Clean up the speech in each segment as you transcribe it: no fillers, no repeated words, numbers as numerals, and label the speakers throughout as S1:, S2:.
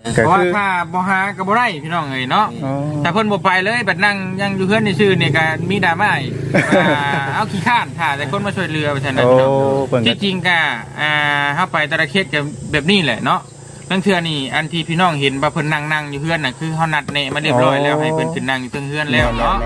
S1: เพราะว่าถ้าบ่หาก็บ่ได้พี่น้องเอ้ยเนาะถ้าเพิ่นบ่ไปเลยบัดนั่งยังอยู่เฮือนซื่อๆนี่ก็มีดราม่าอีกเอาขี้ข้านถ้าแต่คนมาช่วยเหลือว่าซั่นน่ะพี่น้องที่จริงก็เฮาไปแต่ละเขตก็แบบนี้แหละเนาะบางเทื่อนี่อันที่พี่น้องเห็นว่าเพิ่นนั่งอยู่เฮือนน่ะคือเฮานัดแนะมาเรียบร้อยแล้วให้เพิ่นขึ้นนั่งอยู่เทิงเฮือนแล้วเนาะ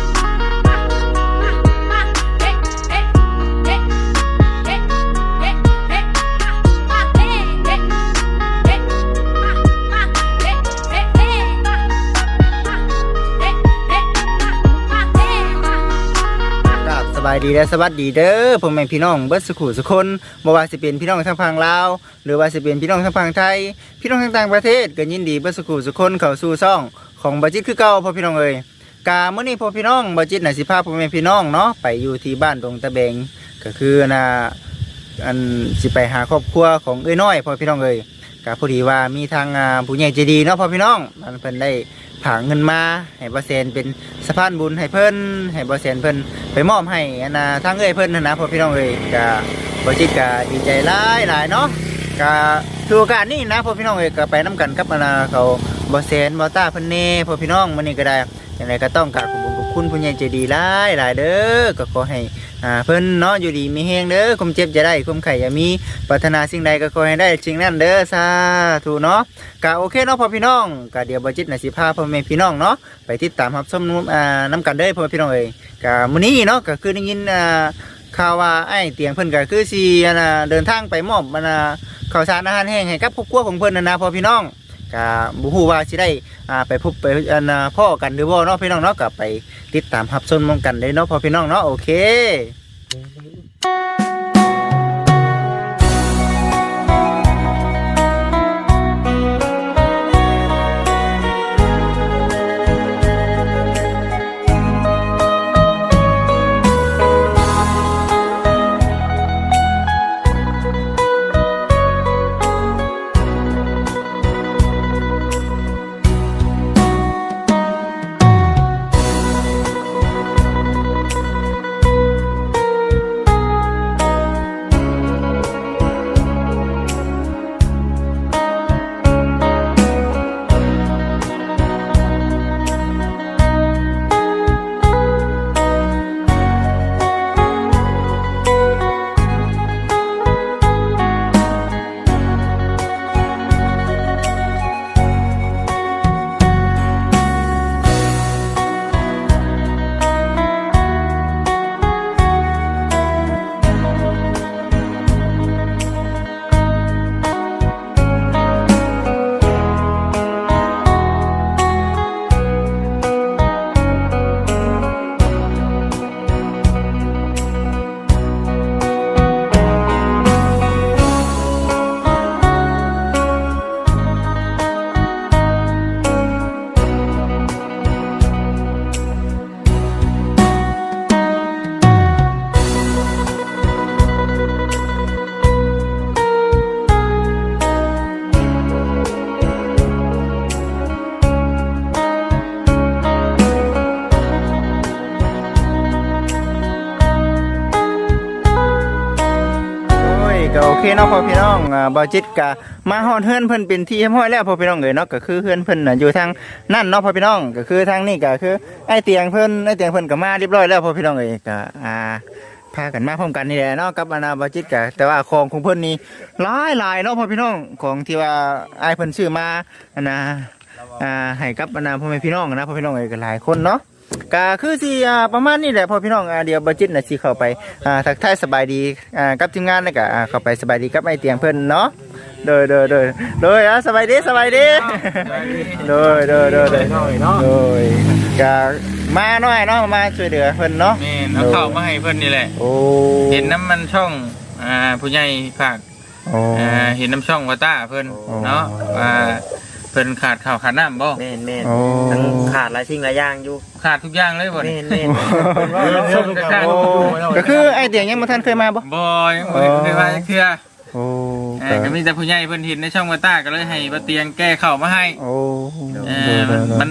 S2: สบายดีและสวัสดีเด้อพ่อแม่พี่น้องเบิดสุขุสุคนบ่ว่าสิเป็นพี่น้องทางฝั่งลาวหรือว่าสิเป็นพี่น้องทางฝั่งไทยพี่น้องทางต่างประเทศก็ยินดีเบิดสุขุสุคนเข้าสู่ช่องของบ่จิตคือเก่าพ่อพี่น้องเอ้ยกามื้อนี้พ่อพี่น้องบ่จิตน่ะสิพาพ่อแม่พี่น้องเนาะไปอยู่ที่บ้านดงตะแบงก็คืออันสิไปหาครอบครัวของเอ้ยน้อยพ่อพี่น้องเอ้ยก็พอดีว่ามีทางผู้ใหญ่ใจดีเนาะพ่อพี่น้องเพิ่นได้ผางเงินมาให้บ่แซนเป็นสะพานบุญให้เพิ่นให้บ่แซนเพิ่นไปมอบให้ทางเอ้ยเพิ่นนะพ่อพี่น้องเอ้ยก็บ่จิตก็ดีใจหลายเนาะก็ถือโอกาสนี้นะพ่อพี่น้องเอ้ยก็ไปนํกันกับเขาบ่แซนบ่ตาเพิ่นแน่พ่อพี่น้องมื้อนี้ก็ได้จังไดก็ต้องกราบขอบคุณผู้ใหญ่ใจดีหลายเด้อก็ขอให้เพิ่นเนาะอยู่ดีมีแฮงเด้อความเจ็บจะได้ความไข้อย่ามีปรารถนาสิ่งใดก็ขอให้ได้สิ่งนั้นเด้อสาธุเนาะก็โอเคเนาะพ่อพี่น้องก็เดี๋ยวบ่จิตน่ะสิพาพ่อแม่พี่น้องเนาะไปติดตามรับชมนํกันเด้อพ่อพี่น้องเอ้ยก็มื้อนี้เนาะก็คือได้ยินข่าวว่าไอ้เตียงเพิ่นก็คือสิเดินทางไปมอบข้าวสารอาหารแห้งให้กับครอบครัวของเพิ่นนะพ่อพี่น้องก็บ่ฮู้ว่าสิได้ไปพบไปพ่อกันหรือบ่เนาะพี่น้องเนาะก็ไปติดตามรับชมกันได้เนาะพ่อพี่น้องเนาะโอเคโอเคเนาะพ่อพี่น้องบ่จิตก็มาฮอดเฮือนเพิ่นเป็นที่เรียบร้อยแล้วพ่อพี่น้องเอ้ยเนาะก็คือเฮือนเพิ่นน่ะอยู่ทางนั่นเนาะพ่อพี่น้องก็คือทางนี้ก็คือไอ้เตียงเพิ่นก็มาเรียบร้อยแล้วพ่อพี่น้องเอ้ยก็พากันมาพร้อมกันนี่แหละเนาะกับบ่จิตก็แต่ว่าของเพิ่นนี่หลายเนาะพ่อพี่น้องของที่ว่าไอ้เพิ่นซื้อมาให้กับพ่อแม่พี่น้องนะพ่อพี่น้องเอ้ยก็หลายคนเนาะก็คือสิประมาณนี้แหละพ่อพี่น้องเดี๋ยวบ่จิตน่ะสิเข้าไปทักทายสบายดีกับทีมงานแล้วก็เข้าไปสบายดีกับไอ้เตียงเพิ่นเนาะโดยสบายดีโดยก็มาหน่อยเนาะมาช่วยเหลือเพิ่นเนาะ
S1: แม่นเอาเข้ามาให้เพิ่นนี่แหละ
S2: โอ้
S1: เห็นน้ำมันช่องผู้ใหญ่ฝากเห็นน้ำช่องว่าต้าเพิ่นเนาะเพิ่นขาดข้าวขาดน้ำบ่
S3: แม่นทั้งขาดหลายสิ่งหลายอย่างอยู่
S1: ขาดทุกอย่างเลยบ่
S3: แม่น
S2: ก็คือไอ้เตียงยังบ่ทันเคยมาบ่
S1: ยังบ่เคยมาเทื่อก็มีแต่ผู้ใหญ่เพิ่นเห็นในช่องว่าต้าก็เลยให้บ่เตียงแก้ข้าวมาให้มัน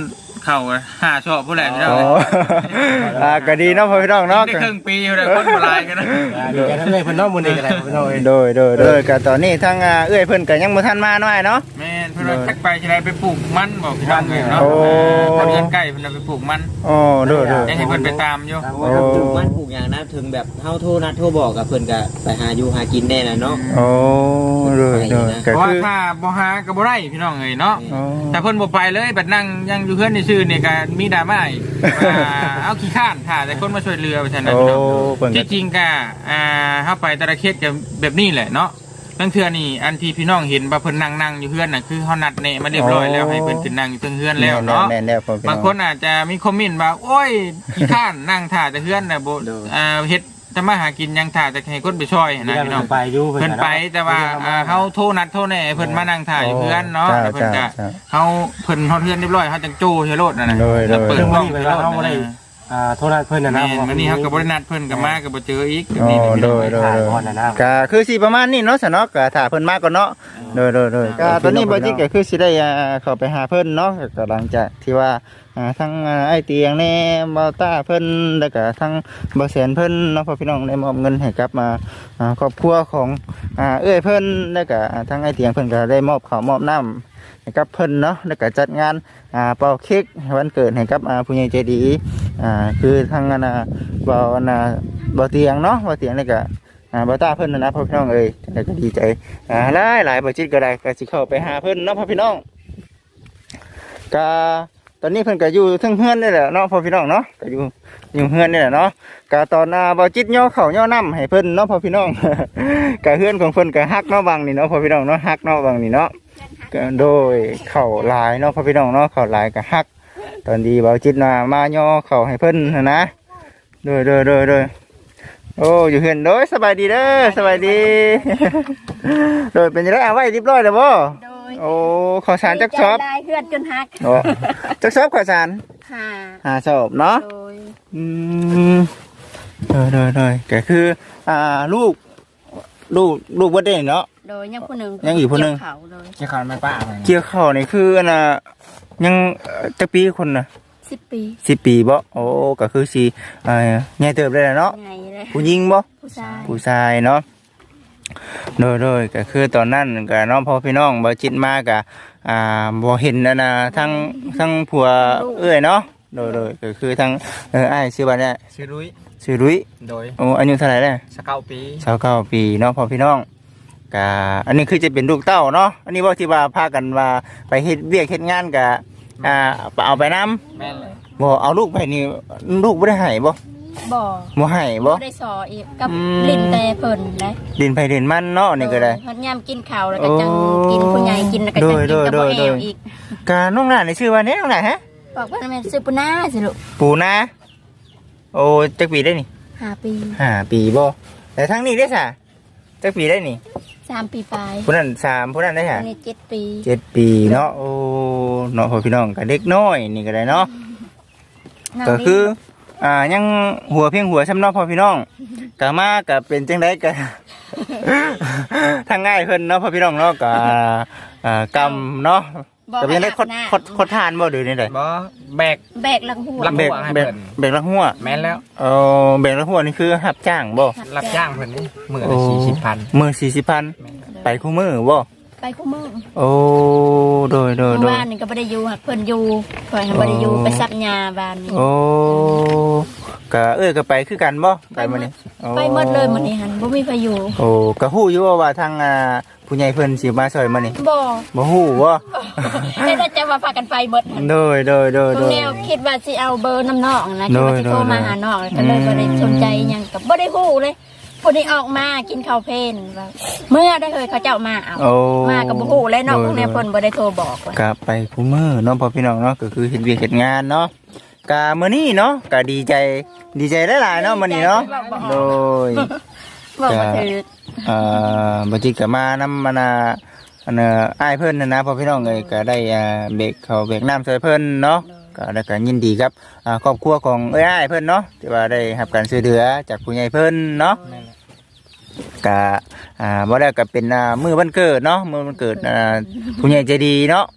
S1: เข้า5ชอบผู้ใดพี่น้อง
S2: อ๋อ ก็ดีเนาะพ่อพี่น้องเนาะ
S1: ได้ครึ่งปีอยู่แล้วคนบ่หลายกันนะ
S4: ดีใจทั้งเลยเพิ่นเนาะมื้อนี้ก็ได้พี่น้องเอ้ย
S2: โดยก็ตอนนี้ทางเอื้อยเพิ่นก็ยังบ่ทันมาหน่อยเนาะ
S1: แม่นเพิ่นว่าจักไปสิได้ไปปลูกมันบอกพี่น้องเลยเนาะ
S2: โอ้
S1: ทางเรือนใกล้เพิ่นเอาไปปลูกมัน
S2: อ๋อโดย
S1: ได้ให้เพิ่นไปตามอยู่
S3: ว่าถ้าปลูกมันปลูกอย่างนั้นถึงแบบเฮาโทรนัดโทรบอกกับเพิ่นก็ไปหาอยู่หากินแน่น่ะเนาะ
S2: โอ้โดยก็
S1: เพราะว่า
S2: คือ
S1: ถ้าบ่หาก็บ่ได้พี่น้องเอ้ยเนาะ
S2: อ๋อ
S1: ถ้าเพิ่นบ่ไปเลยบัดนั่งยังอยู่เฮือนซื่อๆนี่ก็มีดราม่าอีกว่าเอาขี้ข้านถ้าแต่คนมาช่วยเรือว่าซั่นนะ
S2: โอ้
S1: พี่น้อง
S2: เพิ่นก็
S1: ที่จริงก็เฮาไปแต่ละเขตก็แบบนี้แหละเนาะนั่นเทื่อนี่อันที่พี่น้องเห็นว่าเพิ่นนั่งอยู่เฮือนน่ะคือเฮานัดแนะมาเรียบร้อยแล้วให้เพิ่นขึ้นนั่งอยู่เทิงเฮือนแล้วเนาะ
S2: แม่นแล้วพ่อพี่น้
S1: บางคนอาจจะมีคอมเมนต์ว่าโอ้ยขี้ข้านนั่งถ่าแต่เฮือนน่ะบ่เฮ็ดทำมาหากินยังถ่าแต่ให้คนไปช่วยนะพี่น้อง
S4: ไปอยู่
S1: เพิ่นไปแต่ว่าเฮาโทรนัดโทรแน่เพิ่นมานั่งถ่ายอยู่เพื่อนเนาะแต่เพิ่นก็เฮาเพิ่นเฮาเทือนเรียบร้อยเฮาจังโจ้เฮโรดนั่นน่ะแล้วเปิด
S4: เพิ่น
S1: กล้
S4: บ่
S1: อง
S4: ได้
S1: ไป
S4: ไป
S1: โล
S4: ว่า
S1: ด
S4: เฮาบ่ได้โทรนัดเพิ่นน่ะนะ
S1: แม่นวันนี้เฮาก็บ่ได้นัดเพิ่นก็มาก็บ่เจออีกแบบนี้
S2: โดยก็คือสิประมาณนี้เนาะซะเนาะก็ถ้าเพิ่นมาก่อนเนาะโดยก็ตอนนี้บ่จิก็คือสิได้เข้าไปหาเพิ่นเนาะก็หลังจากที่ว่าทั้งไอ้เตียงแน่บ่าวต้าเพิ่นแล้วก็ทั้งบ่แสนเพิ่นเนาะพ่อพี่น้องได้มอบเงินให้กับครอบครัวของเอ้ยเพิ่นแล้วก็ทั้งไอ้เตียงเพิ่นก็ได้มอบข้าวมอบน้ำให้กับเพิ่นเนาะแล้วก็จัดงานเป่าเค้กวันเกิดให้กับผู้ใหญ่ใจดีคือทั้งบ่าวเตียงเนาะบ่าวเตียงแล้วก็บ่าวต้าเพิ่นนะพ่อพี่น้องเอ้ยแล้วก็ดีใจหลายบ่จิตก็ได้ก็สิเข้าไปหาเพิ่นเนาะพ่อพี่น้องก็ตอนนี้เพิ่นก็อยู่เทิงเฮือนนี่แหละเนาะพ่อพี่น้องเนาะก็อยู่เฮือนนี่แหละเนาะก็ตอนบ่จิตย่อข้าวย่อน้ำให้เพิ่นเนาะพ่อพี่น้อง ก็เฮือนของเพิ่นก็ฮักเนาะบางนี่เนาะพ่อพี่น้องเนาะฮักเนาะบางนี่เนาะก็โดยข้าวหลายเนาะพ่อพี่น้องเนาะข้าวหลายก็ฮักตอนดีบ่จิตมาย่อข้าวให้เพิ่นนะโดยโอ้อยู่เฮือนโดยสบายดีเด้อสบายดี โดยเป็นจังได๋เอาไว้เรียบร้อยแล้วบ่
S5: โดย
S2: โอ้ข้าวสารจักชอบ
S5: ได้เพื่อนจนฮัก
S2: โอ้จักชอบข้าวสาร
S5: หา
S2: ชอบเนาะ
S5: โดย
S2: อืมโดยก็คือลูกบ่ได้เนาะ
S5: โดยยังผู้หนึ่ง
S2: ยังอีกผู้หนึ่ง
S5: เกี่ยวเขาโดย
S1: จะขานไม่ป้า
S2: เกี่ยวข้าวนี่คือยังจักปีคนน่ะ
S5: 10 ปี
S2: 10 ปีบ่โอ้ก็คือสิใหญ่เติบได้แล้วเนาะ
S5: ไงเลย
S2: ผู้หญิงบ่
S5: ผู้ชาย
S2: ผู้ชายเนาะโดยก็คือตอนนั้นก็น้องพ่อพี่น้องบ่จิตมาก็บ่เห็นทั้งผัวเอ้ยเนาะโดยก็คือทั้งอ้ายชื่อว่าเนี่ย
S1: ชื่อรุ้ย
S2: ชื่อรุ้ย
S1: โดย
S2: โอ้อายุเท่าไหร่แล้ว
S1: 19 ปี
S2: 29 ปีเนาะพ่อพี่น้องก็อันนี้คือจะเป็นลูกเต้าเนาะอันนี้บ่ที่ว่าพากันว่าไปเฮ็ดเวียกเฮ็ดงานก็เอาไปนํ
S1: แม่นเลย
S2: บ่เอาลูกไปนี่ลูกบ่ได้ให้บ่
S5: บ่
S2: บ่ให้บ่
S5: ได้สออีกกับ
S2: อืม
S5: ลิ้นแต่เพิ่นได้
S2: ดินไผดินมันเนาะนี่ก็ได้
S5: ฮอดยามกินข้าวแล้วก็จังกินผู้ใหญ่กินแล้วก็จังกินกับบ่แอวอีก
S2: กาน้องหลานนี่ชื่อว่าเนี่ยน้องหลานฮะ
S5: บอกว่าแม่นซื้อปุนาสิลูก
S2: ปูนาโอ้จักปีได้นี่
S5: 5 ปี
S2: 5 ปีบ่แต่ทั้งนี้ได้ซะจักปีได้นี่
S5: 3 ปีปลาย
S2: ผู้นั้น3ผู้นั้นได้
S5: อั
S2: ฮะ
S5: นนี้7 ปี
S2: 7 ปีเนาะโอ้เนาะพ่อพี่น้องก็เด็กน้อยนี่ก็ได้เนาะ
S5: น้ง
S2: ก็
S5: นี่
S2: คือยังหัวเพียงหัวซ้ำเนาะพ่อพี่น้องก็มาก็เป็นจังได๋ก็ ทางง่ายเพิ่นเนาะพ่อพี่น้องเนาะก็กำเนาะ
S5: บอก
S2: ก็เป็นได้
S5: ให้อาบน้ำ
S2: คดทานบ่ดูนี่ได้
S1: บ่แบก
S5: แบกหลังหัว
S1: หลัง
S2: เบรก
S1: ให้
S2: เบร
S1: เพิ่
S2: ก
S1: น
S2: เบรกลักหัว
S1: แม่นแล้ว
S2: เบรกลักหัวนี่คือรับจ้างบ่
S1: รับจ้างเพิ่นนี่มื้อละ40,000
S2: มือ40,000ไปคู่มือบ่
S5: ไปคู่มือ
S2: โอ้โดย
S5: เมื่อวานนี่ก็บ่ได้อยู่หักเพิ่นอยู่เพิ่นบ่ได้อยู่ไปซับหญ้าบ้านนี่
S2: โอ้ก็ก็ไปคือกันบ่ไปมื้อนี้โอ้
S5: ไปหมดเลยมื้อนี้หั่นบ่มีไผอยู่
S2: โอ้ก็ฮู้อยู่ว่าทางผู้ใหญ่เพิ่นสิมาช่วยมื้อนี้
S5: บ่
S2: บ่ฮู้บ่
S5: แต่จะว่าพากันไปหมดหั่น
S2: โดย
S5: ตรงแนวคิดว่าสิเอาเบอร์น้ำนอกนะคิดว่าสิ
S2: โดย
S5: โทรมาหาน้องก็เลยบ่ได้สนใจหยังก็บ่ได้ฮู้เลยผู้นี้ออกมากินข้าวเพลนว่าเมื่อได้เคยเขาเจ้ามาเอา
S2: โอ้
S5: มาก็บ่ฮู้เลยเนาะพวกนี้เพิ่นบ่ได้โทรบอกว่า
S2: ก็ไปคู่มือเนาะพ่อพี่น้องเนาะก็คือเฮ็ดเวียกเฮ็ดงานเนาะก็มื้อนี้เนาะก็ดีใจหลายๆเนาะมื้อนี้เนาะโดย
S5: บอกว่าถือ
S2: บัจิกก็มานำอ้ายเพิ่นนะพ่อพี่น้องเอ้ยก็ได้เบรกเขาเบรกน้ำใส่เพิ่นเนาะก็ได้วก็ยินดีครับครอบครัวของอ้ายเพิ่นเนาะที่ว่าได้รับการช่วยเหลือจากผู้ใหญ่เพิ่นเนาะก็บ่ได้ก็เป็นมื้อวันเกิดเนาะมื้อวันเกิดผู้ใหญ่ใจดีเนาะ
S5: โดย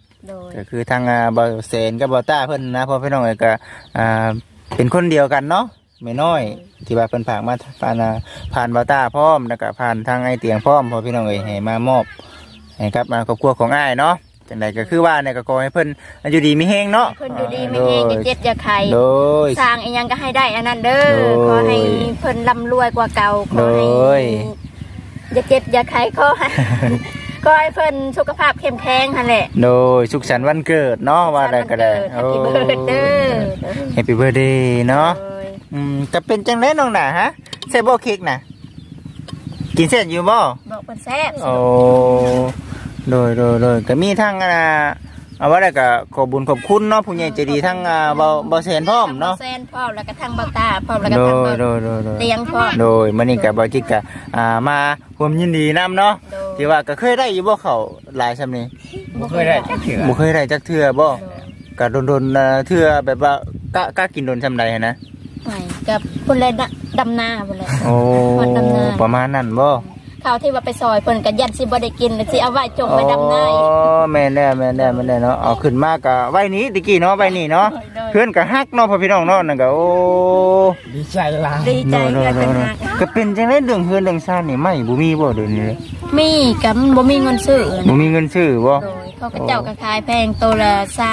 S2: ก็คือทางบ่าวเซนกับบ่าวต้าเพิ่นนะพ่อพี่น้องเอ้ยก็เป็นคนเดียวกันเนาะไม่น้อยที่ว่าเพิ่นฝากมาผ่านบ่าวต้าพร้อมแล้วก็ผ่านทางไอ้เตียงพร้อมพ่อพี่น้องเอ้ยให้มามอบให้กับครอบครัวของอ้ายเนาะจังไดก็คือว่าเนี่ยก็ขอให้เพิ่นอยู่ดีมีแฮงเนาะ
S5: เพิ่นอยู่ดีไม่แห้งอย่าเจ็บอย่าไข้
S2: โดย
S5: สร้างอีหยังก็ให้ได้อันนั้นเด้อ
S2: โดย
S5: ขอให้เพิ่นร่ำรวยกว่าเก่าขอให้
S2: โดย
S5: อย่าเจ็บอย่าไข้ขอให้ ขอให้เพิ่นสุขภาพเข้มแข็งหั่นแหละ
S2: โดยสุขสันต์วันเกิดเนาะว่าได้ก็ได้
S5: แฮปปี้เบิร์ดเด้อ
S2: แฮปปี้เบิร์ดเดย์เนาะ
S5: โดย
S2: จะเป็นจังได๋น้องน่ะฮะใส่บ่เค้กน่ะกินเสร็จอยู่บ่
S5: บอกเพิ่นแซ่บ
S2: โอ้โดยก็มีทั้งเอาว่าได้ก็ขอบุญขอบคุณเนาะผู้ใหญ่ใจดีทั้งบ่แสนพร้อมเนาะ
S5: แซนพร้อมแล้วก็ทางเบาตาพร้อมแล้วก็
S2: โด
S5: ทาง
S2: ย
S5: เบา
S2: โดย
S5: เตียงพร้อม
S2: โดยมื้อนี้ก็บ่จิกก็มาร่วมยินดีนํเนาะ
S5: โดย
S2: ที่ว่าก็เคยได้อยู่บ่เขาหลายซำนี้
S1: บ่เคยได้จักเทื่อ
S2: บ่เคยได้จักเทื่อบ่ก็โดนเทื่อแบบว่ากะกินโดนซำใดหันนะ
S5: ไปกับคนเลยดำนาพุ่นแหละ
S2: โอ้
S5: วันดำนา
S2: ประมาณนั้นบ่
S5: ข้าวที่ว่าไปซอยเพิ่นก็ยันสิบ่ได้กินแล้วสิเอาไว้จงไว้ดำนาอีก
S2: แม่นแล้วเนาะเอาขึ้นมาก็ไว้นี้ตะกี้เนาะไว้นี่เนาะเพื่อนก็ฮักเนาะพ่อพี่น้องเนาะนั่นก็โอ้
S1: ดีใจหลาย
S5: ดีใจเกินเป็นหัก
S2: ก็เป็นจังได๋เรื่องเฮือนเรื่องซ่านนี่ไม่บ่มีบ่เดี๋ยวนี้เลย
S5: มีกับบ่มีเงินซื้อ
S2: บ่มีเงินซื้อบ่
S5: โดยเขาก็เจ้าก็ขายแพงตัวละ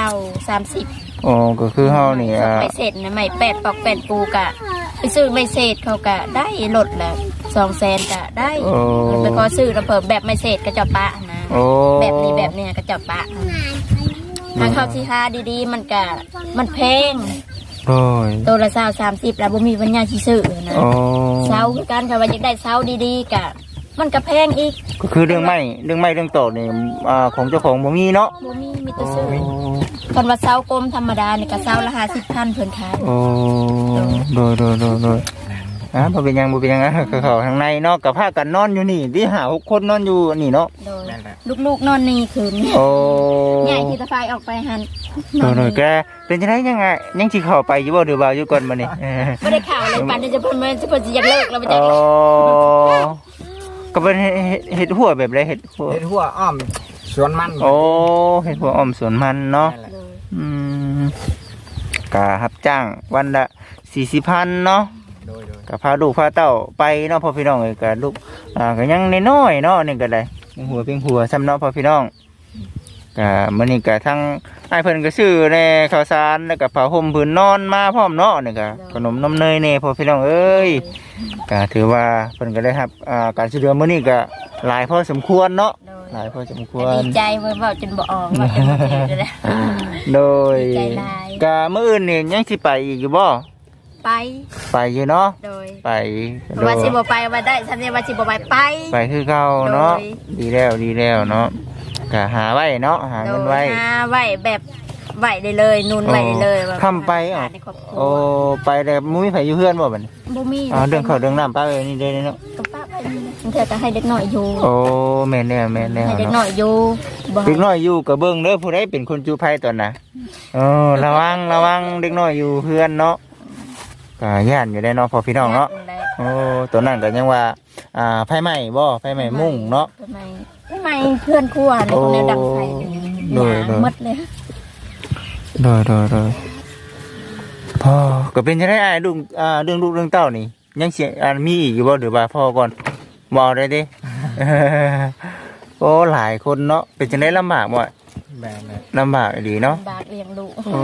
S5: 20 30
S2: อ๋อก็คือเฮานี่
S5: ไปเศษนะไม่8ปอก8ปูกะไปซื้อไม่เศษเขาก็ได้ลดละ200,000ก็ได้ไปขอซื้อแล้วเพิ่มแบบไม่เศษก็เจ้าปะนะ
S2: โอ้
S5: แบบนี้แบบเนี้ยก็เจ้าปะทางเข้าสิหาดีๆมันก็มันแพง
S2: โอ้ย
S5: ตัวละ20-30แล้วบ่มีปัญญาสิซื้อนะ
S2: โอ้
S5: เสาคือกันค่ะว่าอยากได้เสาดีๆกะมันก็แพงอีก
S2: ก็คือเรื่องไม้เรื่องตอกนี่ของเจ้าของบ่มีเนาะ
S5: บ่มีแต่ซื้อคันว่าเสากลมธรรมดานี่ก็เสาละ50,000เพิ่นขาย
S2: โอ้โดยบ่เป็นหยังก็เข้าข้างในเนาะก็พากันนอนอยู่นี่ที่5-6คนนอนอยู่นี่เนาะ
S5: โดยลูกๆนอนนี่คืนนี้
S2: โอ้
S5: ใหญ่ที่ตะไฟออกไปหัน
S2: โดยแกเป็นจังได๋ยังสิเข้าไปอยู่บ่หรือว่าอยู่ก่อนมื้อนี้
S5: บ่ได้ข่าวเลยปันจะเพิ่นสิอยากเลิกแล้วบ่จั
S2: อ๋
S5: ก
S2: อก็เป็นเห็ดหัวแบบไรเห็ดหัว
S1: เฮ็ดหัวอ้อมสวนมัน
S2: โอ้เห็ดหัวอ้อมสวนมันเนาะ
S1: นั่นแหละ
S2: อืมกะรับจ้างวันละ40,000เนาะ
S1: โดย
S2: กะพาลูกพาเต้าไปเนาะพ่อพี่น้องเอ้ยกะลูกก็ยังน้อยๆเนาะนี่ก็ได้เพียงหัวซ้ำเนาะพ่อพี่น้องกะมื้อนี้กะทั้งอ้ายเพิ่นก็ซื้อแน่ข้าวสารแล้วก็ผ้าห่มผืนนอนมาพร้อมเนาะนี่ก็ขนมนมเนยแน่พ่อพี่น้องเอ้ย ก็ถือว่าเพิ่นก็ได้รับการช่วยเหลือมื้อนี้ก็หลายพอสมควรเนาะหลายพอสมควร
S5: ดีใจเว้าจนบ่ออกว่าเป็นบ่ถือเลย
S2: โดย
S5: ดีใจหลาย
S2: ก็มื้ออื่นนี่ยังสิไปอีกอยู่บ่
S5: ไป
S2: ไปอยู่เนาะ
S5: โดย
S2: ไปโด
S5: ว่าย สิบ่ไปว่าได้ฉันเนี่ยว่าสิบ่ไป
S2: ไปคือเก่าเนาะ
S5: โดย
S2: ดีแล้วเนาะก็หาไว้เนาะหา
S5: โด
S2: เงิน
S5: ย
S2: ไว้
S5: หาไว้แบบไว้ได้เลยนุ่นไว้ได้เลยว่า
S2: ค้ำไปอ๋อ
S5: ในครอบครัว
S2: โอ้ไปแต่บ่มีไผอยู่เฮือนบ่บัดนี้
S5: บ่มี
S2: เรื่องข้าวเรื่องน้ำป้าเอ้ยนี่เด้เนาะ
S5: ก็ป้าไปนี่นะเธอก็ให้เด็กน้อยอยู่
S2: โอ้แม่นแล้ว
S5: ให้เด็กน้
S2: เนาะ
S5: อยอยู่บ่
S2: เด็กน้อยอยู่ก็เบิ่งเด้อผู้ใดเป็นคนจูไผตอนน่ะระวังเด็กน้อยอยู่เฮือนเนาะก็ย่านอยู่ได้เนาะพอพี่น้องเนาะ โอ้ตัวนั้นก็ยังว่าไฟไหม้บ่ไฟไหม้มุ่งเนาะ
S5: ทำไมเพื่อนครัวในคนแนวดังไฟ
S2: โดย
S5: หมดเลย
S2: โดยพ่อก็เป็นจังได๋อ้ายลูกเรื่องลูกเรื่องเต้านี่ยังสิมีอีกอยู่บ่หรือว่าพ่อก่อนบ่เอาได้เด้ โอ้หลายคนเนาะเป็นจังได๋ลำบากบ่
S1: แม่น
S2: ลำบากดีเนาะ
S5: บากเลี้ยงลูก
S2: โอ้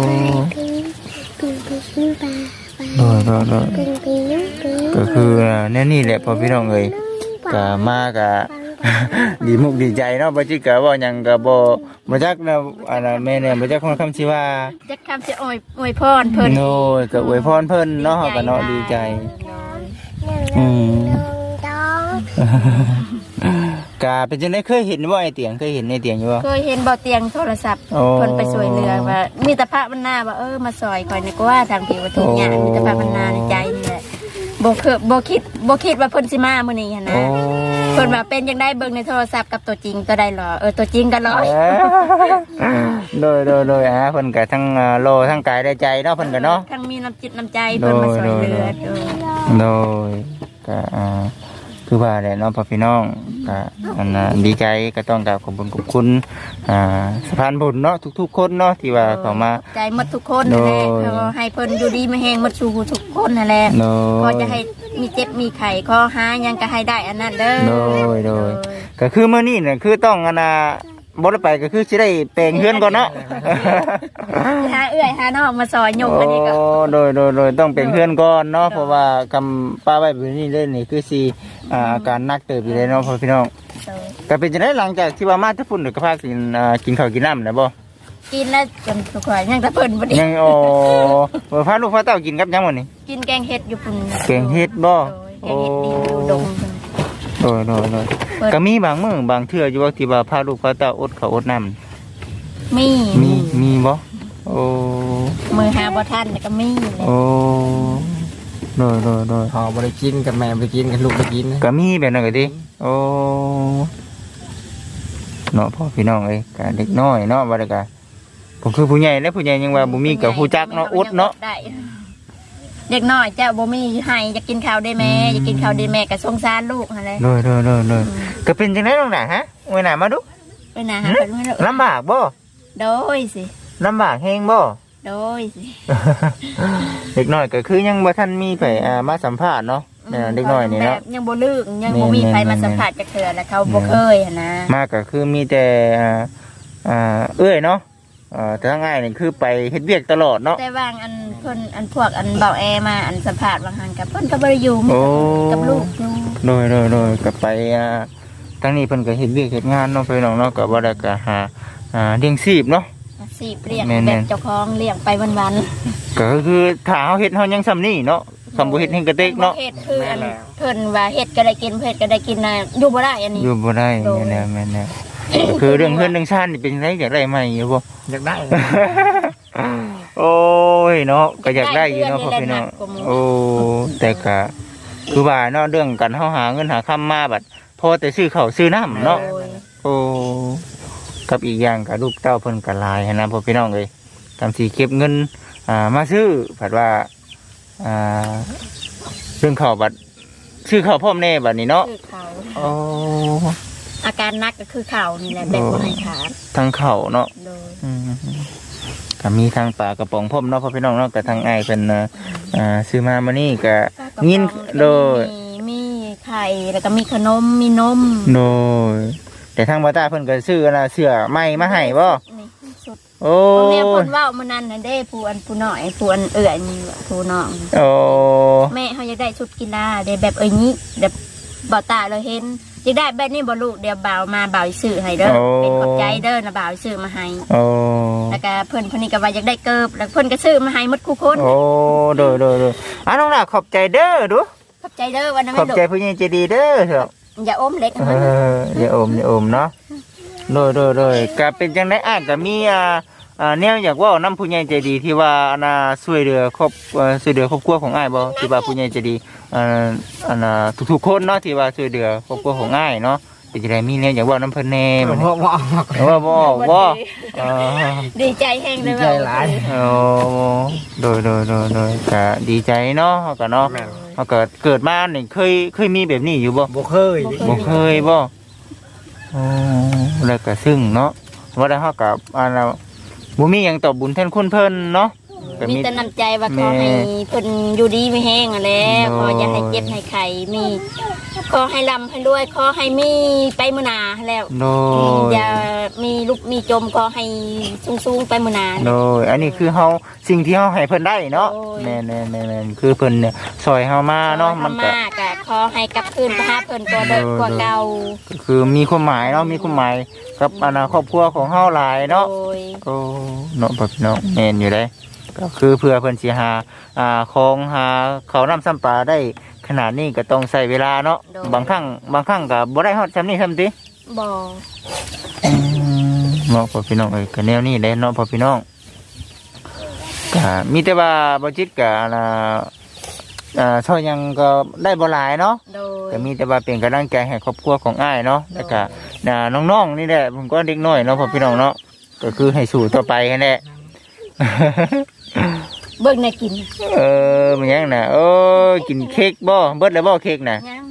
S2: โดยก็คือแน่นี่แหละพ่อพี่น้องเอ้ยก็มาก็ ดีมุกดีใจเนาะบ่จิกก็บ่หยังก็บ่จักนะอันนั้นแม่เนี่ยบ่จักคนคำสิว่า
S5: จักคำสิอวยพรเพิ่น
S2: โน้ยก็อวยพรเพิ่นเนาะก็เนาะดีใจอืมก็เป็นจังได๋เคยเห็นบ่ไอ้เตียงเคยเห็นในเตียงอยู่บ่
S5: เคยเห็นบ่เตียงโทรศัพท์
S2: โอ้
S5: เพิ่นไปช่วยเหลือว่ามีแต่พระบรรณาว่ามาซอยคอยนึกว่าทางผิวทุกอย่างมีแต่พระบรรณาในใจนี่แหละบ่คิดว่าเพิ่นสิมามื้อนี้หั่นนะ
S2: โอ้
S5: เพิ่นว่าเป็นจังได้เบิ่งในโทรศัพท์กับตัวจริงตัวใดหรอตัวจริงก็ร้อย
S2: โดยเพิ่นก็ทั้งโลทั้งกายได้ใจเนาะเพิ่นก็เนาะ
S5: ทั้งมีน้ำจิตน้ำใจเพิ่นมาช่วยเหลือ
S2: โดยก็คือว่าแหละเนาะพ่อพี่น้องก็อันน่ะดีใจก็ต้องกราบขอบคุณสะพานบุญเนาะทุกๆคนเนาะที่ว่าเข้ามา
S5: ใจหมดทุกคนนั่นแหละ
S2: โดย
S5: ขอให้เพิ่นอยู่ดีไม่แห้งหมดสู่ทุกคนนั่นแหละ
S2: โด
S5: ขอย จะให้มีเจ็บมีไข้ขอหาหยังก็ให้ได้อันนั้นเด้อ
S2: โดย ก็คือมื้อนี้น่ะคือต้องอันน่ะบ่ได้ไปก็คือสิได้แปลงเฮือนก่อนเนาะ
S5: หาเอื้อยหาน้องมาซอยยกอันนี้ก็
S2: โอ้โดยต้องเป็นเพื่อนก่อนเนาะเพราะว่าคำป้าไว้แบบนี้เลยนี่คือสีอาการหนักเติบอยู่เลยเนาะพ่อพี่น้องก็เป็นจังได๋หลังจากที่ว่ามาที่พุ่นก็พากินข้าวกินน้ำนะบ่
S5: กินแล้วจนทุกคนยังแต่เพิ่นบ่ได้
S2: ยังบ่พาลูกพาเต้ากินกับหยังมื้อนี้
S5: กินแกงเห็ดอยู่ปุ่น
S2: แกงเห็ดบ่
S5: แกงเห็ดดีอยู่ดงเพิ่น
S2: โดยก็มีบางมื้อบางเทื่ออยู่ว่าที่ว่าพาลูกพาเต้าอดข้าวอดน้ำ
S5: มี
S2: มีบ่โอ้
S5: มือหาบ่ทันแล้วก็มีเลย
S2: โอ้โดย
S3: พอบ่ได้กินกับแม่บ่ได้กินกับลูกได้กินนะ
S2: ก็มีแบบนั้นก็ดิโอ้เนาะพ่อพี่น้องเอ้ยก็เด็กน้อยเนาะว่าได้ก็ผมคือผู้ใหญ่แล้วผู้ใหญ่ยังว่าบ่มีก็ฮู้จักเนาะอดเนาะ
S5: ได้เด็กน้อยเจ้าบ่มีให้อยากกินข้าวได้แม่อยากกินข้าวได้แม่ก็สงสารลูกหั่นแหละ
S2: โดยก็เป็นจังได๋น้องน่ะฮะไว้หน้ามาดู
S5: ไปหาเพิ่นไม่รู้
S2: ลำบากบ่
S5: โดยสิ
S2: ลำบากแฮงบ่
S5: โดยสิ
S2: เด็กน้อยก็คือยังบ่ทันมีไผมาสัมภาษณ์เนาะเด็กน้อยนี่เนาะ
S5: แบบยังบ่ลึกยังบ่มีใครมาสัมผัสจักเทื่อแล้วเขาบ่เคยหั่นนะ
S2: มาก็คือมีแต่เอ้ยเนาะแต่ทางง่ายนี่คือไปเฮ็ดเวียกตลอดเนาะ
S5: แต่บางอันเพิ่นอันพวกอันเบาแอมาอันสัมภาษณ์บางหันกับเพิ่นก็บ่ได้อยู่มี
S2: โอ้
S5: กับลูกอยู่
S2: โดยก็ไปทางนี้เพิ่นก็เฮ็ดเวียกเฮ็ดงานเนาะพี่น้องเนาะก็บ่ได้ก็หาเลี้ยงชีพเนาะ
S5: สิเลี้ยง
S2: แม่นๆ
S5: แบบเจ้าของเลี้ยงไปวัน
S2: ก็คือถ้าเฮาเฮ็ดเฮายังซ้ำนี่เนาะ
S5: ๆ
S2: สำบ่เฮ็ดให้กระเตกเนาะ
S5: เฮ็ดคืออันเพิ่นว่าเฮ็ดก็ได้กินเฮ็ดก็ได้กินน่ะอยู่บ่ได้อันนี้
S2: อยู่บ่ได้แม่นๆก็คือเรื่องเฮือนเรื่องชาตินี่เป็นจังไดอยากได้ใหม่อยู่บ่
S3: อยากได้
S2: โอ้ยเนาะก็อยากได้อยู่เนาะพ่อพี่น้องโอ้แต่ก็คือว่าเนาะเรื่องการเฮาหาเงินหาค่ำมาบัดพอแต่ซื้อข้าวซื้อน้ำเนาะ
S5: โดย
S2: โอ้กับอีกอย่างกับลูกเต้าเพิ่นก็หลายหั้นนะพ่อพี่น้องเอ้ยทำสิเก็บเงินมาซื้อผัดว่าเรื่องข้าวบัดซื้อข้าวพร้อมแน่บัดนี้เนาะ
S5: คือเขา
S2: โอ้
S5: อาการหนักก็คือเขานี่แหละแบบบ่ให้ขาด
S2: ทั้งข้าวเนาะ
S5: โดย
S2: ก็มีทางปลากระป๋องพ่อมเนาะพ่อพี่น้องเนาะกับทางอ้ายเพิ่นซื้อมามื้อนี้ก็ยินโดย
S5: มีไข่แล้วก็มีขนมมีนม
S2: โดยแต่ทางบ่ตาเพิ่นก็ซื้อเสื้อใหม่มาให้บ่
S5: นี่สุด
S2: โอ้
S5: พ่อแม่เพิ่นเว้ามื้อนั้นน่ะเด้ผู้อันผู้น้อยผู้อันเอื้อยนี่ผู้น้อง
S2: โอ้
S5: แม่เขาอยากได้ชุดกีฬาได้แบบนี้แบบบ่าวตาเราเห็นอยากได้แบบนี้บ่ลูกเดี๋ยวบ่าวมาบ่าวซื้อให้เด้อเป็นขอบใจเด้อนะบ่าวซื้อมาให้
S2: โอ้
S5: แล้วก็เพิ่นนี่ก็ว่าอยากได้เกิบแล้วเพิ่นก็ซื้อมาให้หมดคู่คน
S2: โอ้โดยน้องน่ะขอบใจเด้อดู
S5: ขอบใจเด้อวันนั้น
S2: ขอบ
S5: ลูก
S2: ใจผู้ใหญ่ใจดีเด้อเถอะ
S5: อย่าอมเล็ก
S2: อย่าอมเนาะโดยก็เป็นจังได๋อ่ะก็มีแนวอยากเว้านำผู้ใหญ่ใจดีที่ว่าช่วยเหลือครอบครัวของอ้ายบ่ที่ว่าผู้ใหญ่ใจดีทุกๆคนเนาะที่ว่าช่วยเหลือครอบครัวของอ้ายเนาะเป็นจังได๋มีแนวอยากเว้านำเพิ่นแน่บัดนี้
S3: บ่
S2: ว่าบ่ออกบ่อ๋อ
S5: ดีใจแห้งเลย
S3: ดีใจหลาย
S2: โอ้โดยก็ดีใจเนาะเขาก็เนาะเขาก็เกิดมานี่เคยมีแบบนี้อยู่บ่
S3: บ่เคย
S2: บ่เคยบ่อ๋อแล้วก็ซึ่งเนาะว่าได้เฮากับบ่มีหยังตอบบุญแทนคุณเพิ่นเนาะก็
S5: มีแต่น้ำใจว่าขอให้เพิ่นอยู่ดีไม่แห้งอ่ะแหล้วขออย่าให้เจ็บให้ไข้มีขอให้ร่ำให้รวยขอให้มีไปมื้อหน้าแล้ว
S2: โดย
S5: อย่ามีลุกมีจมก็ให้สูงๆไปมื้อหนา
S2: โดยอันนี้คือเฮาสิ่งที่เฮาให้เพิ่นได้เนาะ
S5: โอ้ย
S2: แม่นคือเพิ่นเนี่ยซอยเฮามาเนาะมันก็
S5: มากอะขอให้กลับคืนไปหาเพิ่นตัวเดิมกว่าเก่า
S2: ก็คือมีความหมายเนาะมีความหมายกับครอบครัวของเฮาหลายเนาะ
S5: โอ้ย
S2: โอ้เนาะพี่น้องแม่นอยู่ได้ก็คือเพื่อเพิ่นสิหาของหาเขาวน้ำซ้ำปลาได้ขนาดนี้ก็ต้องใช้เวลาเนาะบางครั้งก็บ่ได้ฮอดซ้ำนี้ซ้ำติ
S5: บ่
S2: เนาะพ่อพี่น้องเอ้ยก็แนวนี้แหละเนาะพ่อพี่น้องก็มีแต่ว่าบ่จิตก็ช่วยหยังก็ได้บ่หลายเนาะ
S5: โดย
S2: ก็มีแต่ว่าเป็นกำลังใจให้ครอบครัวของอ้ายเนาะแล้วก็น้องๆนี่แหละผมก็เด็กน้อยเนาะพ่อพี่น้องเนาะก็คือให้สู้ต่อไปแค่นั้นแหละ
S5: เบิ่งน่ะกิน
S2: มันยังน่ะโอ้กินเค้กบ่เบิดแล้วบ่เค้กน่ะ
S5: ยัง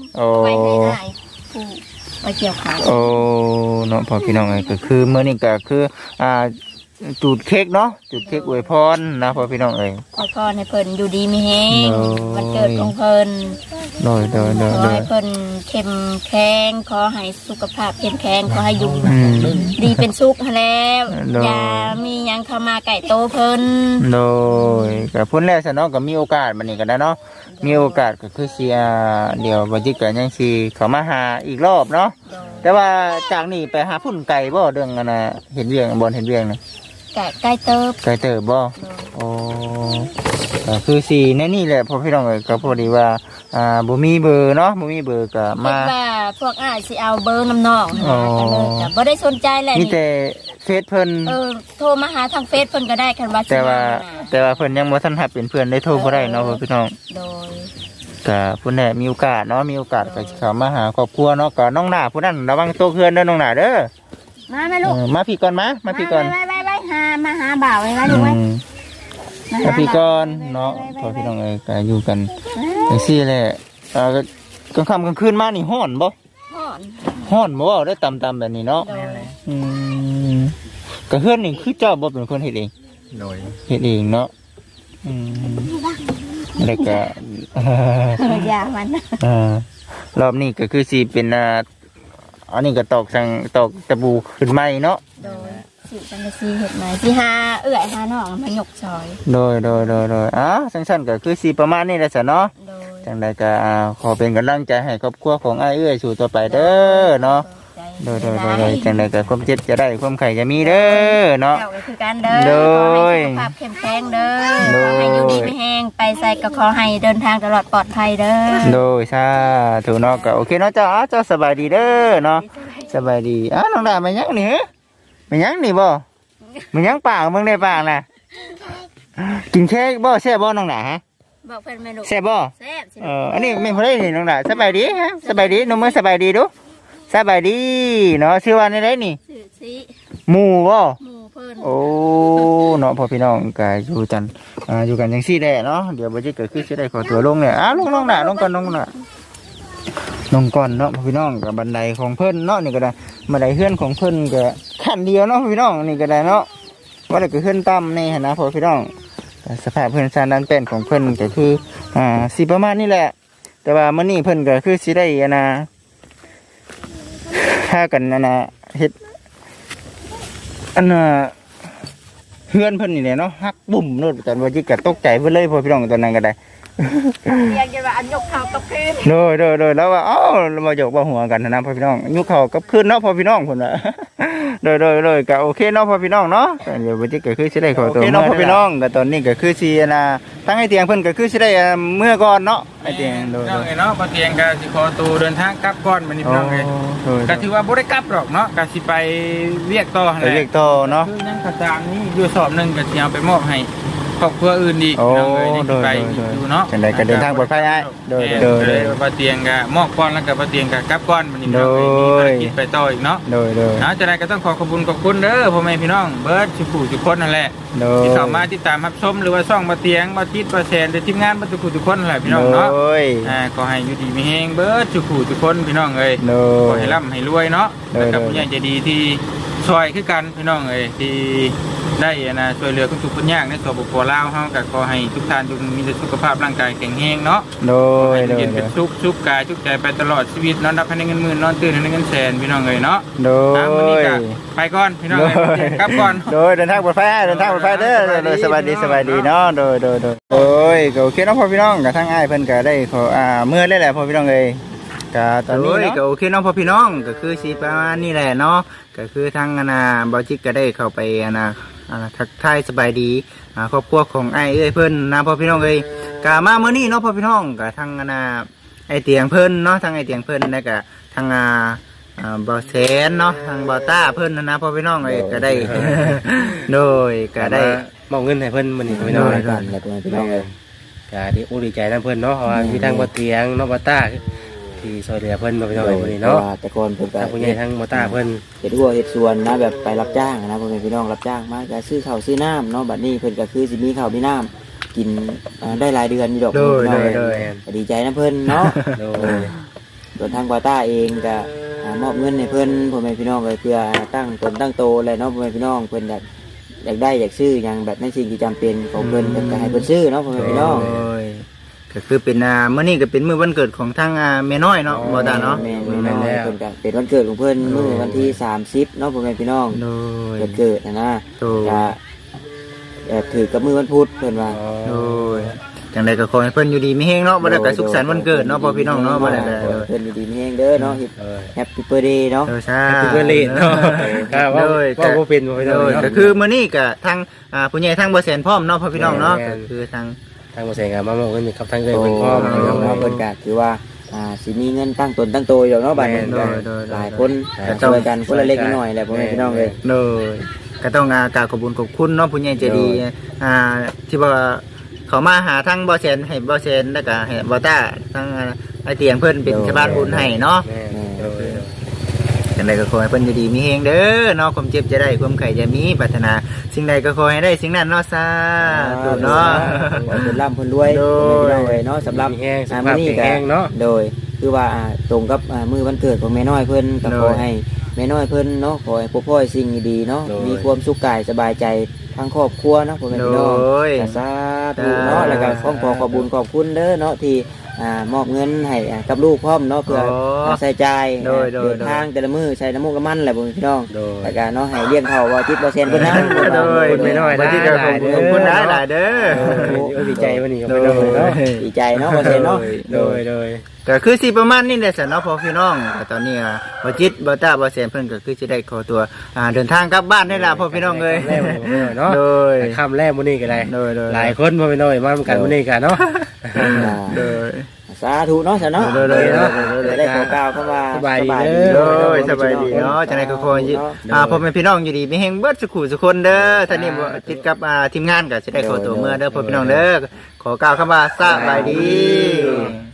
S2: โอ้
S5: ไว้ให้อ้ายผู้ไว้เกี่ยวข้าว
S2: โอ้เนาะพอพี่น้องเอ้ยก็คือมื้อนี้ก็คือจุดเค้กเนาะจุดเค้กอวยพรนะพอพี่น้องเอ้ย
S5: ขอพรให้เพิ่นอยู่ดีมีแฮง
S2: โอ้ย
S5: วันเกิดของเพิ่น
S2: โดย
S5: ขอให้เพิ่นเข้มแข็งขอให้สุขภาพเข้มแข็งขอให้อยู่
S2: อืม
S5: ดีเป็นสุขหั้นแล้ว
S2: โดย
S5: อย่ามีหยังเข้ามาไก่โตเพิ่น
S2: โดยก็พุ่นแล้วซะเนาะก็มีโอกาสบัดนี้ก็ได้เนาะมีโอกาสก็คือสิเดี๋ยวบ่จิกก็ยังสิเข้ามาหาอีกรอบเนาะ
S5: โดย
S2: แต่ว่าจากนี้ไปหาพุ่นไก่บ่เรื่องอันน่ะเห็นเวียงบ่เห็นเวียงน่ะ
S5: ไก่เติบ
S2: ไก่เติบบ่
S5: โดย
S2: โอ้ก็คือสิแน่นี่แหละพอพี่น้องเอ้ยก็พอดีว่าบ่มีเบอร์เนาะบ่มีเบอร์ก็
S5: คิ
S2: มา
S5: ดว่าพวกอ้ายสิเอาเบอร์น้ำน้องหั่น
S2: อ๋อ
S5: นะก็เลยก็บ่ได้สนใจแหละ
S2: มี
S5: นี่
S2: แต่เฟซเพิ่น
S5: โทรมาหาทางเฟซเพิ่นก็ได้คันว่าสิ
S2: แต่ว่า
S5: มาน่ะ
S2: แต่ว่าเพิ่นยังบ่ทันรับเป็นเพื่อนได้โทรบ่ได้เนาะพ่อพี่น้อง
S5: โดย
S2: ก็ผู้ใดมีโอกาสเนาะมีโอกาสก็สิเข้ามาหาครอบครัวเนาะก็น้องหน้าผู้นั้นระวังตัวเพื่อนเด้อน้องหน้าเด้อ
S5: มาแม่ลูก
S2: มาพี่ก่อนมาพี่ก่อน
S5: ไปมาหาบ่าวไว้ไว้ลูกไว้
S2: มาพี่ก่อนเนาะพ่อพี่น้องเอ้ยก็อยู่กันจังซี่แหละกลางค่ำกลางคืนมานี่ฮ้อนบ่
S5: พ่อน
S2: ฮ้อนบ่เว้าได้ต่ำๆแบบนี้เนาะ
S5: โดย
S2: อืมก็เฮือนนี่คือเจ้าบ่เป็นคนเฮ็ดเอง
S1: โดย
S2: เฮ็ดเองเนาะอืมแล้วก็
S5: อย่ามัน
S2: รอบนี้ก็คือสิเป็นอันนี้ก็ตอกตะบูขึ้นใหม่เนาะ
S5: โดยสิจังซี่เฮ็ดมาสิหาเอื้อยหาน้องมาหยกซอย
S2: โดยสั้นๆก็คือสิประมาณนี้แหละซะเนาะ
S5: โดย
S2: จังใดก็ขอเป็นกำลังใจให้ครอบครัวของอ้ายเอื้อยสู่ต่อไปเด้อเนาะโดยจังใดก็ความเจ็บจะได้ความไข่จะมีเด้อเนาะ
S5: เจ้าก็คือกันเด้อ
S2: โดย
S5: ขอให้สุขภาพเข้มแข็งเด้อ
S2: โดย
S5: ขอให้อยู่ดีไม่แห้งไปใส่ก็ขอให้เดินทางตลอดปลอดภัยเด้อ
S2: โดยสาธุเนาะก็โอเคเนาะเจ้าเจ้าสบายดีเด้อเนาะสบายดีน้องดามายังนี่ฮะมายังนี่บ่มายังปากมึงได้ปากน่ะกินเค้กบ่แซ่บบ่น้องดาฮะ
S5: บอกเพิ่นแม่ลูก
S2: แซ่บบ่
S5: แซ่บสิ
S2: อันนี้ไม่พอได้นี่น้องดาสบายดีฮะสบายดีหนุ่มมือสบายดีดูสบายดีเนาะชื่อว่าในไรนี่
S5: สื่อสิ
S2: หมู่บ่
S5: หมู่เพิ่น
S2: โอ้เนาะพ่อพี่น้องก็อยู่กันอยู่กันจังซี่แหละเนาะเดี๋ยวบ่จิเกิดขึ้นสิได้ขอตัวลงเนี่ยลงน้องดาลงก่อนลงน่ะลงก่อนเนาะพ่อพี่น้องกับบันไดของเพิ่นเนาะนี่ก็ได้บันไดเฮือนของเพิ่นก็ขั้นเดียวเนาะพ่อพี่น้องนี่ก็ได้เนาะว่าแต่ก็เฮือนต่ำนี่หั่นนะพ่อพี่น้องแต่สภาพเพิ่นซานด้านเป็นของเพิ่นก็คือสิประมาณนี้แหละ แต่ว่ามื้อนี้เพิ่นก็คือสิได้ถ้ากันเฮ็ดเฮือนเพิ่นนี่แหละเนาะฮักบุ่มโน่นแต่ว่าจิก็ตกใจเพิ่นเลยพ่อพี่น้องตอนนั้นก็ได้
S5: เรียกกันว่าอันยกเท้ากับพื้น
S2: โดยแล้วว่าเรามาหยอกบ่หัวกันนะพ่อพี่น้องยุคเขากับคืนเนาะพ่อพี่น้องพุ่นน่ะ โดยก็โอเคเนาะพ่อพี่น้องเนาะก็เดี๋ยวบ่จิก็คือสิได้ขอตัวเนาะพ่อพี่น้องก็ตอนนี้ก็คือสิทั้งไอ้เตียงเพิ่นก็คือสิได้เมื่อก่อนเนาะไอ้เตียงโดย
S1: น้องเนาะบ่เตียงก็สิขอตัวเดินทางกลับก่อนมื้อนี้พี่น้องเอ้ยก็ถือว่าบ่ได้กลับหรอกเนาะก็สิไปเวียกต่อหั่น
S2: ไป
S1: แหละ
S2: เรียกต่อเนาะ
S1: คือยังกระจางนี้อยู่สอบหนึงก็สิเอาไปมอบให้ครอบครัวอื่นอีก
S2: โอ้
S1: พี่น้องเอ้ยนี่สิไปอยู่เนาะ
S2: จังไดก็เดินทางปลอดภัยอ้ายโดย
S1: บ่เตียงก็มอบก่อนแล้วก็บ่เตียงก็กลับก่อนมื้อนี้พี่น้องเอ้ยมีภารกิจไปต่ออีกเนาะ
S2: โดย
S1: นะจังไดก็ต้องขอบคุณเด้อพ่อแม่พี่น้องเบิดทุกผู้ทุกคนนั่นแหละ
S2: โดย
S1: ที่เข้ามาติดตามรับชมหรือว่าช่องบ่เตียงบ่จิตบ่แซนหรือทีมงานบ่ทุกผู้ทุกคนนั่นแหละพี่น้องเนาะ
S2: โดย
S1: ขอให้อยู่ดีมีแฮงเบิดทุกผู้ทุกคนพี่น้องเอ้ย
S2: โด
S1: ขอย ให้ร่ำให้รวยเนาะ
S2: โดย
S1: แล้วกับผู้ใหญ่ใจดีที่ช่วยคือกันพี่น้องเอ้ยที่ได้ช่วยเหลือทุกคนยากในสปปลาวเฮาก็ขอให้ทุกท่านจงมีแต่สุขภาพร่างกายแข็งแรงเนาะ
S2: โด
S1: ขอให้
S2: ย
S1: เย็นเป็นสุขกายสุขใจไปตลอดชีวิตนอนรับให้ได้เงินหมื่นนอนตื่นให้ได้เงินแสนพี่น้องเอ้ยเนาะ
S2: โด
S1: มื้อนี้
S2: ย
S1: ก็ไปก่อนพี่น้องเอ้ยกลับก่อน
S2: โดยเดินทางปลอดภัยเดินทางปลอดภัยเด้อโดยสบายดีเนาะโดยโอ้ยก็โอเคเนาะพ่อพี่น้องกับทั้งอ้ายเพิ่นก็ได้ขอเมื่อเลยแหละพ่อพี่น้องเอ้ยก็ตอนนี้เนาะก็โอเคเนาะพ่อพี่น้องก็คือสิประมาณนี้แหละเนาะก็คือทั้งบ่จิกก็ได้เข้าไปทักทายสบายดีครอบครัวของอ้ายเอ้ยเพิ่นนะพ่อพี่น้องเอ้ยก็มามื้อนี้เนาะพ่อพี่น้องก็ทั้งไอ้เตียงเพิ่นเนาะทั้งไอ้เตียงเพิ่นแล้วก็ทั้งบ่แสนเนาะทางบ่ต้าเพิ่นนะพ่อพี่น้องเอ้ยก็ได้ โดยก็ได้
S4: มอบเงินให้เพิ่นมื้อนี้พี่น้อง
S2: กันแล้วพี่น้องเอ้ย
S4: ก็ดีใจนำเพิ่นเนาะเพราะว่ามีทางบ่เตียงเนาะบ่ต้าที่ช่วยเหลือเพิ่นพี่น้องมื้อนี้เนาะ
S6: แต่ก่อนผมก็
S4: ทางผู้ใหญ่ทางบ่ต้าเพิ่น
S6: เฮ็ดหัวเฮ็ดสวนนะแบบไปรับจ้างนะพ่อแม่พี่น้องรับจ้างมาก็ซื้อข้าวซื้อน้ำเนาะบัดนี้เพิ่นก็คือสิมีข้าวมีน้ำกินได้หลายเดือนอยู่ดอก
S2: โดย
S6: พี่น้อง
S2: โดย
S6: ก็ดีใจนะเพิ่นเนาะ
S4: โดย
S6: ส่วนทางบาต้าเองก็มอบเงินให้เพิ่นพ่อแม่พี่น้องเลยเพื่อตั้งตนตั้งโตเลยเนาะพ่อแม่พี่น้องเพิ่นอยากได้อยากซื้ออย่างแบบในสิ่งที่จำเป็นของเพิ่นก็ให้เพิ่นซื้อเนาะพ่อแม่พี่น้อง
S2: โอ้ยก็คือเป็นมื้อนี้ก็เป็นมื้อวันเกิดของทางแม่น้อยเนาะบ่ตาเนาะ
S6: แม่น้อยเพิ่นก็เป็นวันเกิดของเพิ่นมื้อวันที่30เนาะพ่อแม่พี่น้อง
S2: โดย
S6: เกิดนะ
S2: โดย
S6: ก็ถือกับมื้อวันพุธเพิ่นว่า
S2: โดยจังไดก็ขอให้เพิ่นอยู่ดีมีแฮงเนาะบ่ได้ก็สุขสันต์วันเกิดเนาะพ่อพี่น้องเนาะบ่ได้ก็
S6: เพิ่นอยู่ดีมีแฮงเด้อเนาะแฮปปี้เบิร์ธเดย์เนาะ
S2: ใช่
S4: คือเพื่อนเล่นเนาะว่าบ่เป็นบ่
S2: โดยก็คือมื้อนี้ก็ทางผู้ใหญ่ทางบ่แสนพร้อมเนาะพ่อพี่น้องเนาะก็คือทาง
S4: ทางบ่แสงก็มามอบเงินกับทางเอ้ยเพิ่นพร้อม
S6: เนาะเพิ่นก็ถือว่าสิมีเงินตั้งตนตั้งโตอยู่เนาะบัดนี้หลายคนช่วยกันคนละเล็กน้อยแหละพ่อแม่พี่น้องเอ้ย
S2: โดยก็ต้องกราบขอบคุญขอบคุณเนาะผู้ใหญ่ใจดีที่ว่าเขามาหาทั้งบ่อแสนให้บ่อแสนแล้วก็ให้บ่อต้าทั้งไอเตียงเพิ่นเป็นชาวบ้านบุญให้เนาะจังใดก็ขอให้เพิ่นอยู่ดีมีแฮงเด้อเนาะความเจ็บจะได้ความไข้จะมีปรารถนาสิ่งใดก็ขอให้ได้สิ่งนั้นเนาะสาธุเนาะ
S6: ขอให้เพิ่นร่ำเพิ่นรวยพ่อแม่พี่น้องเอ้ยเนาะสำหรับ
S4: แห้งส
S6: มื้
S4: ภา
S6: อ
S4: พ
S6: นี้ก็
S4: แห้งเนาะ
S6: โดยคือว่าตรงกับมื้อวันเกิดของแม่น้อยเพิ่นก็ขอให้แม่น้อยเพิ่นเนาะขอให้พบพ่อยสิ่งดีๆเนาะมีความสุขกายสบายใจทั้งครอบครัวเนาะพ่อแม่พี่น้อง สาธุเนาะแล้วก็ขอบุญขอบคุณเด้อเนาะที่มอบเงินให้กับลูกพร้อมเนาะเพื่อใส่ใจเดินทางแต่ละมื้อใช้น้ำมูกน้ำมันแหละพี่น้องแล้วก็เนาะให้เลี้ยงเขาว่าจิตบ่เซ็นเพิ่นนำ
S2: โดยไม่น้อยนะที่ก็ขอบคุณหลายๆเด้อ
S4: ดีใจวันนี้ก็ไม่ต้องเลยเนาะ
S6: ดีใจเนาะบ่เซ็นเนาะ
S4: โดย
S2: ก็คือสิประมาณนี้แหละสนเนาะพ่อพี่น้องก็ตอนนี้บ่จิตบ่ต้าบ่แสนเพิ่นก็คือสิได้ขอตัวเดินทางกลับบ้านได้ล่ะพ่อพี่น้องเอ้ย
S4: เนาะ
S2: โดย
S4: ค่ำแรกมื้อนี้ก็ได้
S2: โดย
S4: หลายคนบ่ไปน้อยมากันมื้อนี้กันเนาะ
S2: โดย
S6: สาธุเนาะซะเนาะ
S2: โดยเนาะ
S6: ได้ขอกล่าวเข้ามา
S2: โดยสบายดีเนาะจังได๋ก็ขอให้พ่อแม่พี่น้องอยู่ดีมีแฮงเบิดสุขุสุคนเด้อท่านนี้บ่ติดกับทีมงานก็สิได้ขอตัวเมื่อเด้อพ่อพี่น้องเด้อขอกล่าวคำว่าสบายดี